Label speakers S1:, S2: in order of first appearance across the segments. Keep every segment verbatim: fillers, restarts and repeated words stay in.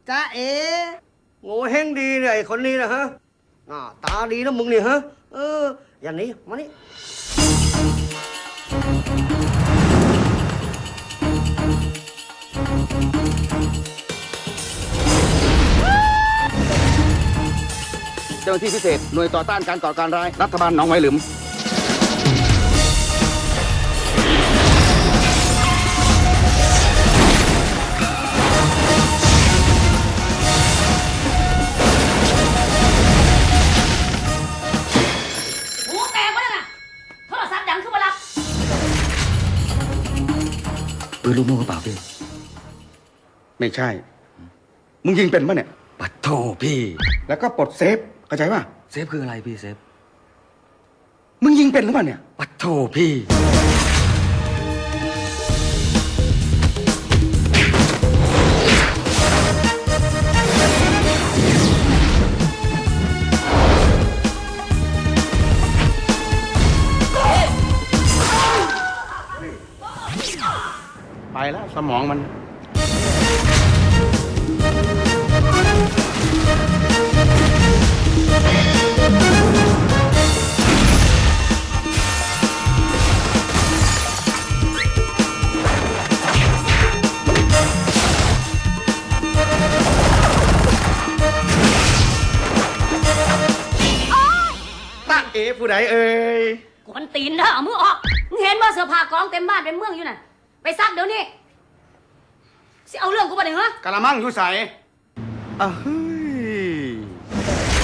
S1: จ้าเอ๋
S2: โง่เฮงดีเนี่ยไอ้คนนี้นะฮะอ่าตาดีนะมึงเนี่ยฮะเอออย่างนี้มานี่
S3: เจ้าหน้าที่พิเศษหน่วยต่อต้านการก่อการร้ายรัฐบาลหนองไวหลุม
S4: หูแตกวะนั่นน่ะโทรศัพท์ดังขึ้นมารับ
S3: ปืนลูกโม่กระเป๋าพี่ไม่ใช่มึงยิงเป็นปะเนี่ย
S5: ปัดโทพี่
S3: แล้วก็ปลดเซฟเข้าใจป่ะ
S5: เซฟคืออะไรพี่เซฟ
S3: มึงยิงเป็นหรือเปล่าเนี่ย
S5: ปัดโทพี่
S3: ไปแล้วสมองมันตาเอ๋ผู้ใดเอ่ย
S4: กวนตีนเด้อเอามือออกมึงเห็นว่าเสื้อผ้ากองเต็มบ้านเต็มเมืองอยู่น่ะไปซักเดี๋ยวนี้สิเอาเรื่องกูไปไหนเหรอก
S3: ะละมังอยู่ใสอ่ะเฮ้ย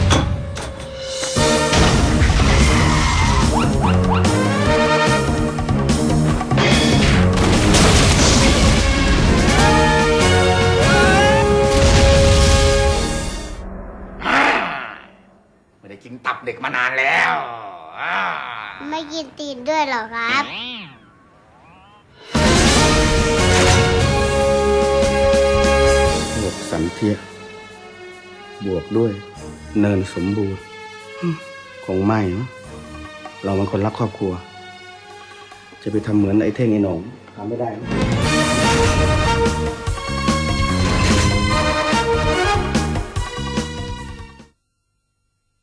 S3: ไม่ได้กินตับเด็กมานานแล้วอ่า
S6: ไม่กินตีนด้วยเหรอครับ
S3: บวกสันเทียบวกด้วย เนินสมบูรณ์ฮึคงไม่มั้งเราเป็นคนรักครอบครัว จะไปทำเหมือนไอ้เท่งไอ้หนองทำไม่ได้นะ